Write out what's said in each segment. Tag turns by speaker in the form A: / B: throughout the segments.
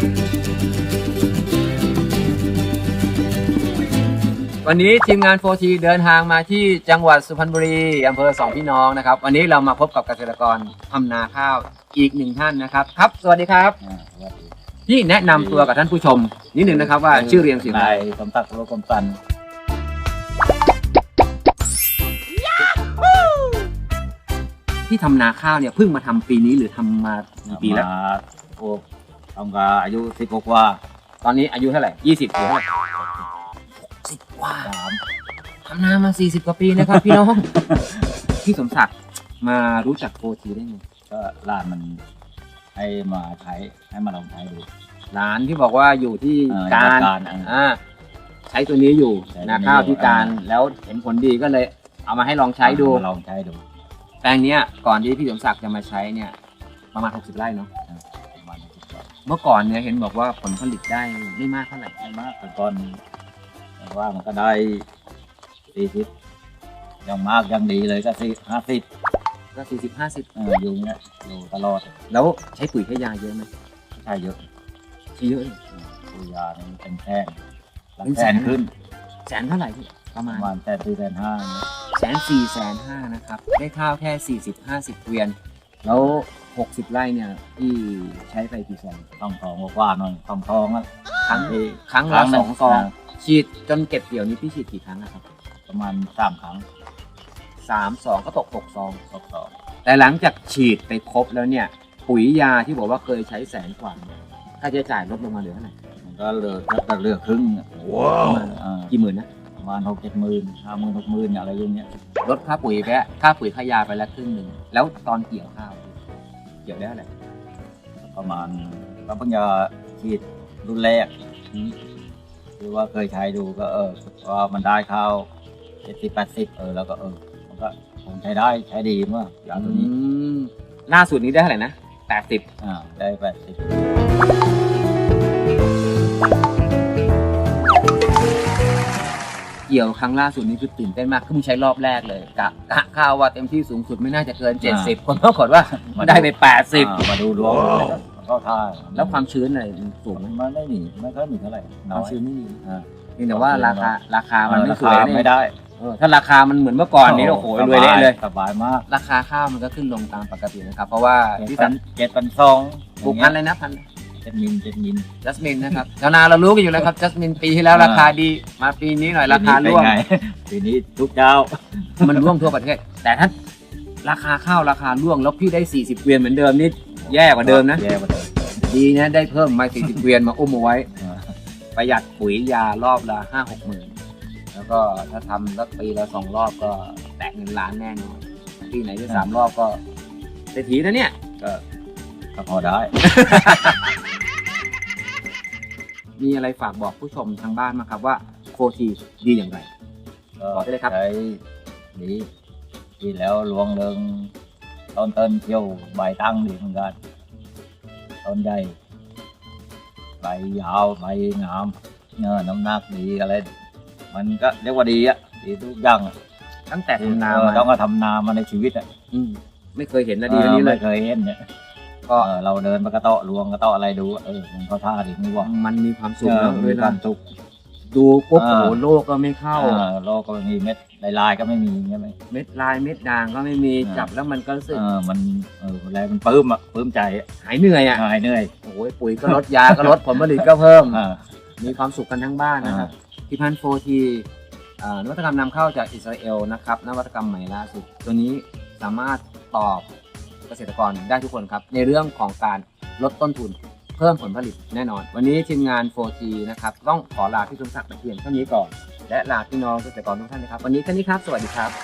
A: วันนี้ทีมงาน 4T เดินทางมาที่จังหวัดสุพรรณบุรีอำเภอสองพี่น้องนะครับวันนี้เรามาพบกับเกษตรกรทำนาข้าวอีกหนึ่งท่านนะครับครับสวัสดีครับพี่แนะนำตัวกับท่านผู้ชมนิดหนึ่งนะครับว่าชื่อเรียงเสียงอะไร
B: สมศักดิ์โลกมสัน
A: ที่ทำนาข้าวเนี่ยเพิ่งมาทำปีนี้หรือทำมากี่ปีแล้ว
B: โอ้ทำกาอายุ16กว่า
A: ตอนนี้อายุเท่าไหร่20หรือเท่าไหร่60กว่า
B: 3
A: ทำนามา40กว่าปีนะครับพี่น้อง พี่สมศักดิ์มารู้จัก 4T ได้ไง
B: ก็ร้านมันให้มาใช้ให้มาลองใช้ดู
A: ร้านที่บอกว่าอยู่ที่การ ใช้ตัวนี้อยู่
B: ใช้ตัวนี้
A: นาข้าวที่การแล้วเห็นผลดีก็เลยเอามาให้ลองใช้ดู
B: ลองใช้ดู
A: แปลงเนี้ยก่อนที่พี่สมศักดิ์จะมาใช้เนี่ยประมาณ60ไร่เนาะ
B: ประมาณ60กว่า
A: เมื่อก่อนเนี่ยเห็นบอกว่าผลผลิตได้ไม่มากเท่าไหร่
B: ไม่มากแต่ก่อนแต่ว่ามันก็ได้40อย่างมากอย่างดีเลยก็50
A: ก็40-50
B: อยู่เงี้ยอยู่ตลอด
A: แล้วใช้ปุ๋ยใช้ยาเยอะไหม
B: ใช้เยอะ
A: ใช้เยอะเลย
B: ตัวยานี่เป็นแสนหลักแสนขึ้น
A: แสนเท่าไหร่พี่ประ
B: ป
A: มาณ
B: ระมาณ1,400,000
A: 1,400,000นะครับได้ข้าวแค่40-50เกวียนแล้ว60ไร่เนี่ยพี่ใช้ไปกี่ซอง
B: ต้องทองกว่าหน่อยต้องทองอ่ะ
A: ครั้ง
B: ที่
A: ครั้งละ2ซองฉีดจนเก็บเกี่ยวนี้พี่ฉีดกี่ครั้งนะครับ
B: ประมาณ3 ครั้ง
A: 3 ซองก็ตก6ซอง
B: 2
A: แต่หลังจากฉีดไปครบแล้วเนี่ยปุ๋ยยาที่บอกว่าเคยใช้แสนกว่าเนี่ยค่าใช้จ่ายลดลงมาเหลือเท่าไหร่
B: มันก็เหลือถ้าเหลือครึ่ง
A: ประมาณกี่หมื่นนะ
B: ประมาณ6-7 หมื่น50,000 60,000อะไรอย่างเงี้ย
A: ลดค่าปุ๋ยไปแล้วค่าปุ๋ยค่ายาไปแล้วครึ่งหนึ่งแล้วตอนเกี่ยวข้าวเกี่ยวได้เท่าไหร่
B: ประมาณก็เพิ่งจะฉีดรุ่นแรกคือว่าเคยใช้ดูก็ว่ามันได้ข้าว70-80แล้วก็มันก็คงใช้ได้ใช้ดีเมื่อยาตัวนี้
A: ล่าสุดนี้ได้เท่าไหร่นะ80
B: ได้80
A: เกี่ยวครั้งล่าสุดนี้คือตื่นเต้นมากคือมึงใช้รอบแรกเลยกะข้าวว่าเต็มที่สูงสุดไม่น่าจะเกิน70คนปรากฏว่าได้ไป80
B: มาดูดวงก็ท่า
A: แล้วความชื้นอะไรสูงไหม
B: มันไม่หนีไม่ค่อยหนีเท่าไหร่
A: ค
B: น้
A: วา
B: อ
A: ม
B: ย
A: ชื้นไม่มีเพียงแต่ว่าราคามันไม่
B: รา
A: สวย
B: คาไม่ได้
A: ถ้าราคามันเหมือนเมื่อก่อนนี้โอ้โหรวยเละเลย
B: สบายมาก
A: ราคาข้าวมันก็ขึ้นลงตามปกตินะครับเพราะว่าที่สัน
B: 7,200
A: ปลูกพันธุ์อะไรนะพันธุ์
B: 7 มิล
A: จัสมินนะครับชาวนาเรารู้กันอยู่แล้วครับจัสมินปีที่แล้วราคาดีมาปีนี้หน่อยราคาร่วง
B: ปีนี้ทุกเจ้า
A: มันร่วงทั่วประเทศแต่ถ้าราคาข้าวราคาร่วงแล้วพี่ได้40เกวียนเหมือนเดิมนี่แย่กว่าเดิมนะ
B: แย่กว่าเดิม
A: ดีนะได้เพิ่มมา40เกวียนมาอุ้มเอาไว้ประหยัดปุ๋ยยารอบละ5-6 หมื่นแล้วก็ถ้าทำสักปีละ2 รอบก็แตะเงินล้านแน่นอนปีไหนจะ3 รอบก็เศรษฐีนะเนี่ย
B: ก็พอได้
A: มีอะไรฝากบอกผู้ชมทางบ้านมั้งครับว่า 4T ดีอย่างไร บอกได้เลยครับ
B: ใช้ดีแล้วลวงเริงต้นเที่ยวใบตั้งดีเหมือนกันต้นใหญ่ใบยาวใบงามน้ำหนักดีอะไรมันก็เรียกว่าดีอะดีทุกอย่าง
A: ตั้งแต่ทำนามา
B: ต้องมาทำนามาในชีวิตอะ
A: ไม่เคยเห็นนะดีอันนี้เลย
B: ไม่เคยเห็นเนี่ย
A: ก็
B: เราเดินไปกระเตาะลวงกระเตาะอะไรดูมันเขาท่าดีนี่ว่า
A: มันมีความสุขนะ
B: มี
A: เว
B: ค
A: ลาว
B: ามสุข
A: ดูปุ๊บโอ้โหโลกก็ไม่เข้า
B: โลกก็มีเม็ดลายๆก็ไม่มีใช่ไหม
A: เม็ดลายเม็ดด่างก็ไม่มีจับแล้วมันก็รู้สึก
B: มันอะไรมันปลื้มใจ
A: หายเหนื่อยอ่ะ
B: หายเหนื่อย
A: โอ้ยปุ๋ยก็ลดยาก็ลดผลผลิตก็เพิ่ม มีความสุขกันทั้งบ้านนะครับที่พัน 4T นวัตกรรมนำเข้าจากอิสราเอลนะครับนวัตกรรมใหม่ล่าสุดตัวนี้สามารถตอบเกษตรกรได้ทุกคนครับในเรื่องของการลดต้นทุนเพิ่มผลผลิตแน่นอนวันนี้ทีมงาน 4T นะครับต้องขอลาพี่สมศักดิ์ไปเพียงเท่านี้ก่อนและลาพี่น้องเกษตรกรทุกท่านนะครับวันนี้แค่นี้ครับสวัสดีครับ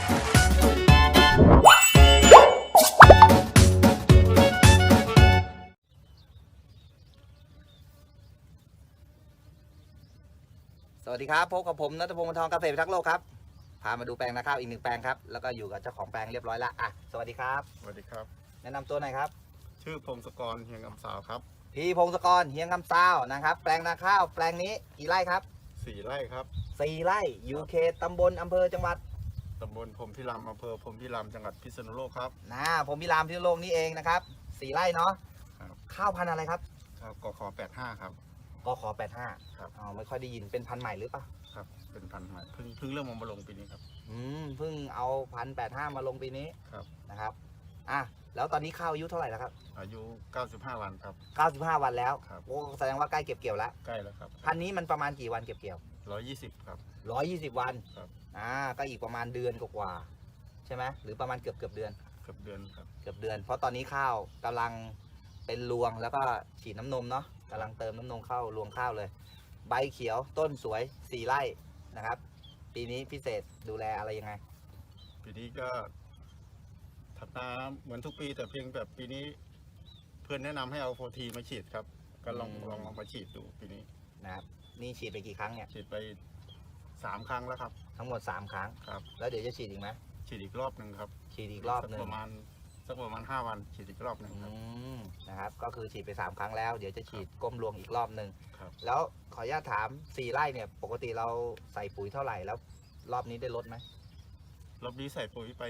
C: สวัสดีครับพบกับผมณัฐพงศ์ วรรณทองเกษตรพิทักษ์โลกครับพามาดูแปลงนาข้าวอีก1 แปลงครับแล้วก็อยู่กับเจ้าของแปลงเรียบร้อยแล้วสวัสดีครับ
D: สวัสดีครับ
C: แนะนำตัวหน่อยครับ
D: ชื่อพงศกรเฮียงคำสาวครับ
C: พี่พงศกรเฮียงคำซาวนะครับแปลงนาข้าวแปลงนี้กี่ไร่ครับ
D: 4 ไร่ครับ
C: 4 ไร่อยู่เขตตำบลอำเภอจังหวัด
D: ตำบลพรหมพิรามอำเภอพรหมพิรามจังหวัดพิษณุโลกครับ
C: ผมพิรามพิษณุโลกนี่เองนะครับ4 ไร่เนาะ
D: ครับ
C: ข้าวพันธุ์อะไรครับ
D: กข85ครับ
C: กข85
D: ครับ
C: อ๋อไม่ค่อยได้ยินเป็นพันธุ์ใหม่หรือเปล่า
D: ครับเป็นพันธุ์ใหม่เพิ่งเริ่มมาลงปีนี้ครับ
C: เพิ่งเอา1,085มาลงปีนี้
D: ครับ
C: นะครับอ่ะแล้วตอนนี้ข้าวอายุเท่าไหร่แล้วครับ
D: อายุ95วันครับ
C: 95 วันแล้ว
D: ครับ
C: โอ้แสดงว่าใกล้เก็บเกี่ยวแล้ว
D: ใกล้แล้วครับ
C: พันธุ์นี้มันประมาณกี่วันเก็บเกี่ยว
D: 120ครับ
C: 120 วัน
D: ครับ
C: ก็อีกประมาณเดือนกว่าๆใช่ไหมหรือประมาณเกือบเดือน
D: เกือบเดือนครับ
C: เกือบเดือน เพราะตอนนี้ข้าวกำลังเป็นรวงแล้วก็ฉีดน้ำนมเนาะกำลังเติมน้ำนมเข้ารวงข้าวเลย ใบเขียวต้นสวย4 ไร่นะครับ ปีนี้พิเศษดูแลอะไรยังไง
D: ปีนี้ก็ทำนาเหมือนทุกปีแต่เพียงแบบปีนี้ เพื่อนแนะนำให้เอาโฟทีมาฉีดครับ ก็ลองเอามาฉีดดูปีนี้
C: นะครับนี่ฉีดไปกี่ครั้งเนี่ย
D: ฉีดไป3 ครั้งแล้วครับ
C: ทั้งหมด3 ครั้ง
D: ครับ
C: แล้วเดี๋ยวจะฉีดอีกไหม
D: ฉีดอีกรอบหนึ่งครับ
C: ฉีดอีกรอบหนึ่ง
D: สักประมาณ5 วันฉีดอีกรอบหนึ่งครับ
C: นะครับก็คือฉีดไป3 ครั้งแล้วเดี๋ยวจะฉีดก้มรวงอีกรอบหนึ่ง
D: ครับ
C: แล้วขออนุญาตถาม4 ไร่เนี่ยปกติเราใส่ปุ๋ยเท่าไหร่แล้วรอบนี้ได้ลดไหม
D: รอบนี้ใส่ปุ๋ยไป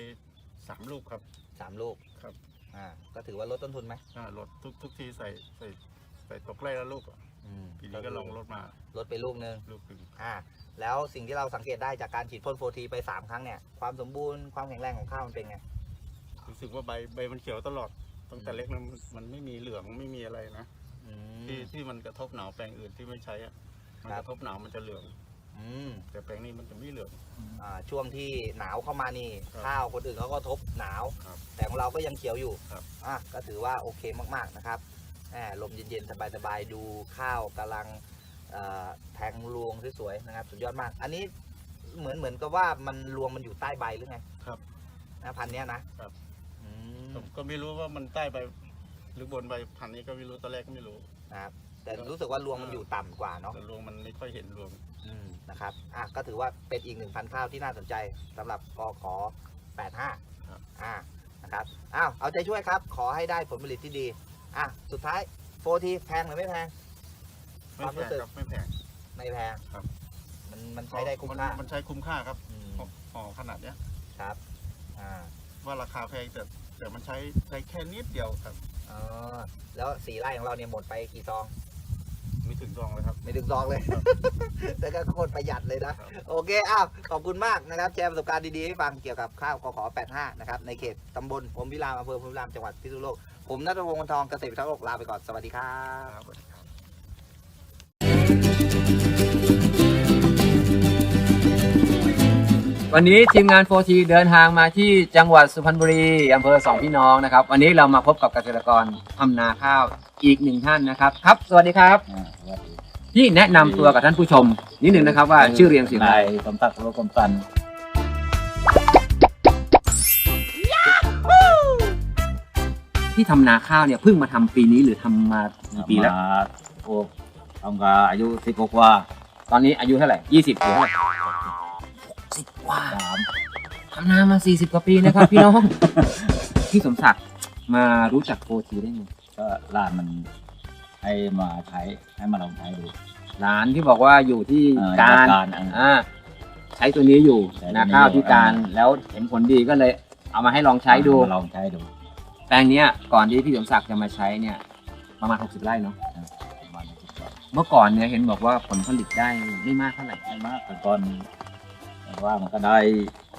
D: 3 ลูกครับ
C: 3 ลูก
D: ครับ
C: ก็ถือว่าลดต้นทุนไหม
D: ลดทุกทีใส่ตกไร่ละลูกอะปีนี้ก็ลองลดมา
C: ลดไปลูกหนึ่ง
D: ลูกหนึ่ง
C: แล้วสิ่งที่เราสังเกตได้จากการฉีดพ่นโฟทีไป3 ครั้งเนี่ยความสมบูรณ์ความแข็งแรงของข้าวมันเป็นไง
D: รู้สึกว่าใบมันเขียวตลอดตั้งแต่เล็กนะมันไม่มีเหลืองไม่มีอะไรนะ ที่มันกระทบหนาวแปลงอื่นที่ไม่ใช้อะมันกระทบหนาวมันจะเหลือง แต่แปลงนี้มันจะไม่เหลือง
C: ช่วงที่หนาวเข้ามานี่
D: ครับ
C: ข้าวคนอื่นเขาก็ทบหนาว
D: ครับ
C: แต่ของเราก็ยังเขียวอยู่
D: ครับ
C: ก็ถือว่าโอเคมากๆนะครับลมเย็นๆสบายๆดูข้าวกำลังแทงรวงสวยๆนะครับสุดยอดมาก อันนี้เหมือนกับว่ามันรวงมันอยู่ใต้ใบหรือไง
D: ครับ
C: นะพันธุ์เนี้ยนะครับ อืม
D: ผมก็ไม่รู้ว่ามันใต้ใบหรือบนใบพันธุ์นี้ก็ไม่รู้ตอนแรกก็ไม่รู้
C: นะครับแต่รู้สึกว่ารวงมันอยู่ต่ำกว่าเนาะ
D: แต่รวงมันไม่ค่อยเห็นรวง
C: นะครับก็ถือว่าเป็นอีก1 พันธุ์ข้าวที่น่าสนใจสำหรับกข85
D: ครับ
C: นะครับเอาใจช่วยครับขอให้ได้ผลผลิตที่ดีสุดท้ายโฟทีแพงหรือไม่แพง
D: ไม่
C: ความ
D: แพ
C: รู้
D: ง
C: สึก
D: ครับไม่แพง
C: ไม่แพง
D: ครับ
C: มันใช้ได้คุ้มค่า
D: มันใช้คุ้มค่าครับ
C: อืม
D: ห่อขนาดเนี้ย
C: ครับ
D: ว่าราคาแพงแต่มันใช้แค่นิดเดียวครับ
C: แล้ว4 ไร่ของเราเนี่ยหมดไปกี่ซอง
D: ไม่ถึงซองเลยครับ
C: ไม่ถึงซองเลย แต่ก็โคตรประหยัดเลยนะ โอเคขอบคุณมากนะครับแชร์ประสบการณ์ดีๆให้ฟังเกี่ยวกับข้าวกข85นะครับในเขตตำบลพรหมพิรามอำเภอพรหมพิรามจังหวัดพิษณุโลกผมณัฐพงศ์ วงศ์ทองเกษตรพิทักษ์โลกลาไปก่อนสวัสดีครับ
D: ครับสวัสดีครับ
A: วันนี้ทีมงาน 4T เดินทางมาที่จังหวัดสุพรรณบุรีอำเภอ2 พี่น้องนะครับวันนี้เรามาพบกับเกษตรกรทำนาข้าวอีก1 ท่านนะครับครับสวัสดีครับที่แนะนำตัวกับท่านผู้ชมนิดหนึ่งนะครับว่าชื่อเรียงเสียงอะไร
B: นายสมศักดิ์โลกมสัน
A: ที่ทำนาข้าวเนี่ยเพิ่งมาทำปีนี้หรือทำมากี่ปีแล้ว
B: มาโอ้ทำกับอายุ10 กว่า
A: ตอนนี้อายุเท่าไหร่20หรือเท่าไหร่10 กว่า
B: 3
A: ทำนามา40 กว่าปีนะครับ พี่น้อง พี่สมศักดิ์มารู้จัก 4T ได้ไง
B: ก็ร้านมันให้มาใช้ให้มาลองใช้ดู
A: ร้านที่บอกว่าอยู่ที่
B: การ
A: ใช้ตัวนี้อยู่
B: ใช้ตัวนี้
A: นาข้าวที่การ
B: อยู่
A: แล้วเห็นผลดีก็เลยเอามาให้ลองใช้ดู
B: มาลองใช้ดู
A: แปลงเนี้ยก่อนที่พี่สมศักดิ์จะมาใช้เนี่ยประมาณ60 ไร่เนาะ
B: ประมาณ60 กว่า
A: เมื่อก่อนเนี่ยเห็นบอกว่าผลผลิตได้ไม่มากเท่าไหร่
B: ไม่มากแต่ก่อนแต่ว่ามันก็ได้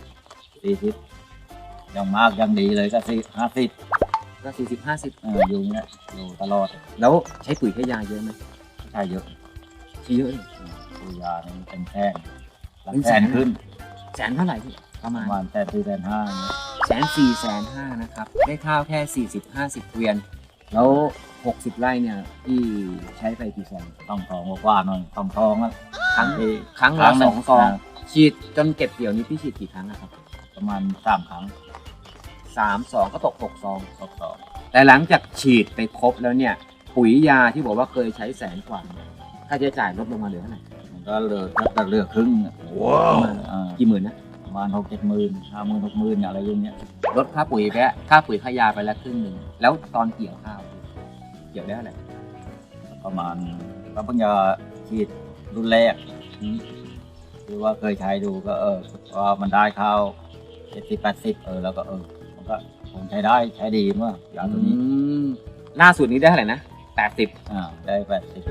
B: 40อย่างมากอย่างดีเลยก็50
A: ก็40-50
B: อยู่เนี้ยอยู่ตลอด
A: แล้วใช้ปุ๋ยใช้ยาเยอะไหม
B: ใช้เยอะ
A: ใช้เยอะเลย
B: ตัวยานี่เป็นแท่ง
A: เป็น
B: แสนขึ้น
A: แสนเท่าไหร่พี่ประ
B: ป
A: มาณ
B: ระมาณแต่4,500เนี่ย
A: 1,450,000นะครับได้ข้าวแค่40-50 เกวียนแล้ว60 ไร่เนี่ยพี่ใช้ไปกี่ซอง
B: ต้องทองกว่าๆหน่อยต้องทองแล้ว
A: ครั้ง
B: ที่
A: ครั้งละ
B: หนึ่
A: 2 ซองฉีดจนเก็บเกี่ยวนี้พี่ฉีดกี่ครั้งนะครับ
B: ประมาณ3 ครั้ง
A: 3 ซองก็ตก6 ซอง
B: ทดสอบ
A: แต่หลังจากฉีดไปครบแล้วเนี่ยปุ๋ยยาที่บอกว่าเคยใช้แสนกว่าค่าใช้จ่ายลดลงมาเหลือเท่าไหร่
B: มันก็เหลือครึ่ง
A: ประมาณกี่หมื่นนะ
B: ประมาณ6-7 หมื่น50,000 60,000อะไรอย่างเงี้ย
A: ลดค่าปุ๋ยไปแล้วค่าปุ๋ยค่ายาไปแล้วครึ่งหนึ่งแล้วตอนเกี่ยวข้าวเกี่ยวได้เท่าไหร่
B: ประมาณก็เพิ่งจะฉีดรุ่นแรกคือว่าเคยใช้ดูก็ว่ามันได้ข้าว70-80แล้วก็มันก็ผมใช้ได้ใช้ดีมากยาตัวนี้
A: ล่าสุดนี้ได้เท่าไหร่นะ 80
B: ได้80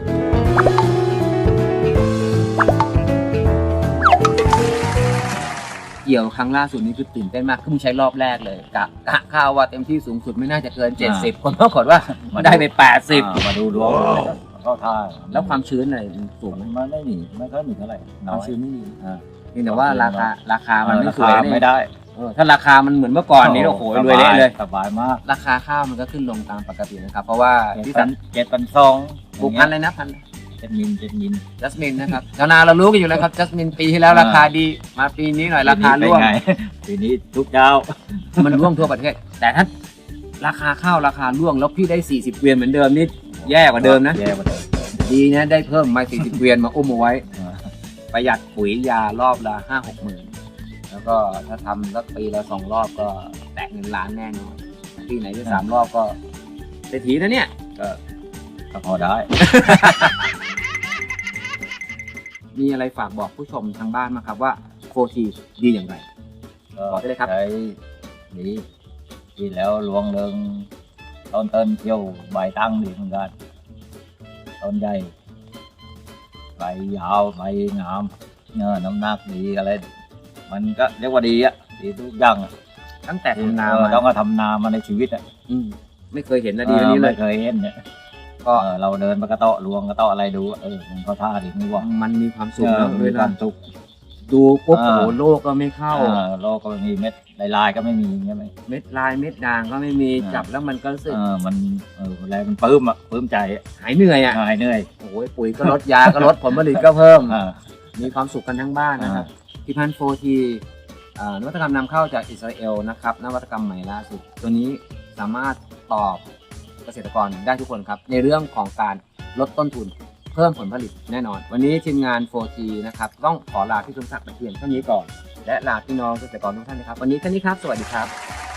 A: เกี่ยวครั้งล่าสุดนี้คือตื่นเต้นมากเพิ่งใช้รอบแรกเลยกะข้าวว่าเต็มที่สูงสุดไม่น่าจะเกิน 70 คนปรากฏว่าได้ไป 80
B: มาดูดวงเข้าท่า
A: แล้วความชื้นอะไรสูงไหม
B: มันไม่ค่อยมีเท่าไหร่
A: ค
B: น้
A: วา
B: อ
A: ม
B: ย
A: ชื้นไม่มี
B: อ่า
A: เพียงแต่ว่าราคามันไม่สวย
B: ราคาไม่ได้
A: ถ้าราคามันเหมือนเมื่อก่อนนี้โอ้โหรวยเละเลย
B: สบายมาก
A: ราคาข้าวมันก็ขึ้นลงตามปกตินะครับ เพราะว่าที่สัน
B: 7,200
A: ปลูกพันธุ์อะไรนะพันธุ์
B: 7 มิล
A: จัสมินนะครับชาวนาเรารู้กันอยู่แล้วครับจัสมินปีที่แล้วราคาดีมาปีนี้หน่อยราคาร่วง
B: ปีนี้ทุกเจ้า
A: มันร่วงทั่วประเทศ แต่ถ้าราคาข้าวราคาร่วงแล้วพี่ได้40 เกวียนเหมือนเดิมนี่แย่กว่าเดิมนะ
B: แย่กว่าเดิม
A: ดีนะได้เพิ่มมา40 เกวียนมาอุ้มเอาไว้ ประหยัดปุ๋ยยารอบละ5-6 หมื่นแล้วก็ถ้าทำสักปีละ2 รอบก็แตะเงินล้านแน่นอนปีไหนที่3 รอบก็เศรษฐีนะเนี่ย
B: ก็พอได้
A: มีอะไรฝากบอกผู้ชมทางบ้านมั้างครับว่าโฟทีดีอย่างไร บอกได้เลยครับ
B: ใช้ดีแล้วลวงเริงต้นเที่ยวใบตั้งดีเหมือนกันต้นใหญ่ใบยาวใบงามน้ำหนักดีอะไร มันก็เรียกว่าดีอ่ะดีทุกอย่างอะ
A: ตั้งแต่ทำนา
B: ต้อง
A: มา
B: ก็ทำนามาในชีวิตอ่ะ
A: ไม่เคยเห็นนะดีแบบนี้เล
B: ไม่
A: ย
B: เคยเห็นเนี่ย
A: ก็
B: เราเดินไปกระเตาะลวงกระเตาะอะไรดูมันเข้าท่าดีไม่ว่า
A: มันมีความสุขนะ
B: มี
A: เว
B: ค
A: ลาว
B: ามสุข
A: ดูปุ๊บ
B: เอ
A: โอ้
B: อ
A: โหโลกก็ไม่เข้า
B: โลกก็ไม่มีเม็ดลายๆก็ไม่มีใช่ไหม
A: เม็ดลายเม็ดด่างก็ไม่มี
B: อ่า
A: จับแล้วมันก็รู้สึก
B: มันอะไรมันปลื้มอ่ะปลื้มใจอะ
A: หายเหนื่อยอ่ะ
B: หายเหนื่อย
A: โอ้ยปุ๋ยก็ลดยาก็ลดผลผลิตก็เพิ่ม
B: อ่า
A: มีความสุขกันทั้งบ้านนะครับที่พันโฟทีนวัตกรรมนำเข้าจากอิสราเอลนะครับนวัตกรรมใหม่ล่าสุดตัวนี้สามารถตอบเกษตรกรได้ทุกคนครับในเรื่องของการลดต้นทุนเพิ่มผลผลิตแน่นอน วันนี้ทีมงาน 4T นะครับต้องขอลาพี่สมศักดิ์ไปเพียงเท่านี้ก่อน และลาพี่น้องเกษตรกรทุกท่านนะครับวันนี้แค่นี้ครับสวัสดีครับ